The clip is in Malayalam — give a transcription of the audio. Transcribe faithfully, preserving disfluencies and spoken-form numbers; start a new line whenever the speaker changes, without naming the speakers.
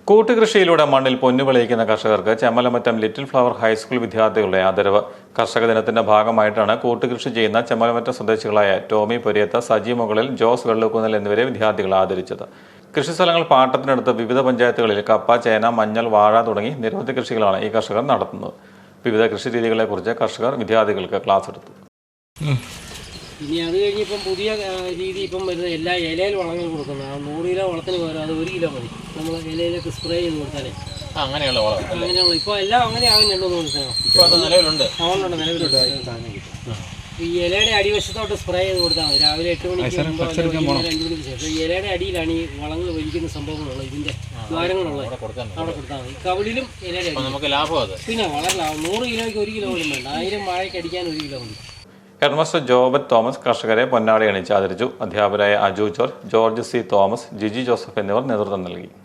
കൂട്ടുകൃഷിയിലൂടെ മണ്ണിൽ പൊന്നു വിളയിക്കുന്ന കർഷകർക്ക് ചെമ്മലമറ്റം ലിറ്റിൽ ഫ്ലവർ ഹൈസ്കൂൾ വിദ്യാർത്ഥികളുടെ ആദരവ്. കർഷക ദിനത്തിന്റെ ഭാഗമായിട്ടാണ് കൂട്ടുകൃഷി ചെയ്യുന്ന ചെമ്മലമറ്റം സ്വദേശികളായ ടോമി പൊരിയത്ത, സജി മുകളിൽ, ജോസ് വെള്ളുക്കുന്നൽ എന്നിവരെ വിദ്യാർത്ഥികൾ ആദരിച്ചത്. കൃഷിസ്ഥലങ്ങൾ പാട്ടത്തിനടുത്ത് വിവിധ പഞ്ചായത്തുകളിൽ കപ്പ, ചേന, മഞ്ഞൾ, വാഴ തുടങ്ങി നിരവധി കൃഷികളാണ് ഈ കർഷകർ നടത്തുന്നത്. വിവിധ കൃഷി രീതികളെക്കുറിച്ച് കർഷകർ വിദ്യാർത്ഥികൾക്ക് ക്ലാസ് എടുത്തു.
ഇനി അത് കഴിഞ്ഞിപ്പം പുതിയ രീതി ഇപ്പം വരുന്നത് എല്ലാ ഇലയിൽ വളങ്ങൾ കൊടുക്കുന്നത്. നൂറ് കിലോ വളത്തിന് പകരം അത് ഒരു കിലോ മതി. നമ്മൾ ഇലയിലേക്ക് സ്പ്രേ ചെയ്ത് കൊടുത്താലേ
അങ്ങനെയുള്ള വളം
അങ്ങനെയുള്ള ഇപ്പോൾ എല്ലാം അങ്ങനെ ആകുന്നുണ്ടോ എന്ന് മനസ്സിലാവും.
നിലവിലുണ്ട്
അതുകൊണ്ടുണ്ട് നിലവിലുണ്ട്. ഈ ഇലയുടെ അടിവശത്തോട്ട് സ്പ്രേ ചെയ്ത് കൊടുത്താൽ മതി. രാവിലെ എട്ട് മണിക്ക് മുമ്പ് അഞ്ച് മണിക്ക് ശേഷം ഈ ഇലയുടെ അടിയിലാണ് ഈ വളങ്ങൾ വലിക്കുന്ന സംഭവങ്ങളുള്ളത്. ഇതിൻ്റെ ദ്വാരങ്ങളുള്ളത് അവിടെ കൊടുത്താൽ മതി. കവിളിലും ഇലയുടെ
നമുക്ക് ലാഭം അത്.
പിന്നെ വളരെ ലാഭം. നൂറ് കിലോയ്ക്ക് ഒരു കിലോ പോലും വേണ്ട. ആയിരം വാഴയ്ക്ക് അടിക്കാൻ ഒരു കിലോ മതി.
ഹെഡ്മാസ്റ്റർ ജോബറ്റ് തോമസ് കർഷകരെ പൊന്നാടി അണിച്ച് ആദരിച്ചു. അധ്യാപകരായ Aju George, George C Thomas, Jiji Joseph എന്നിവർ നേതൃത്വം നൽകി.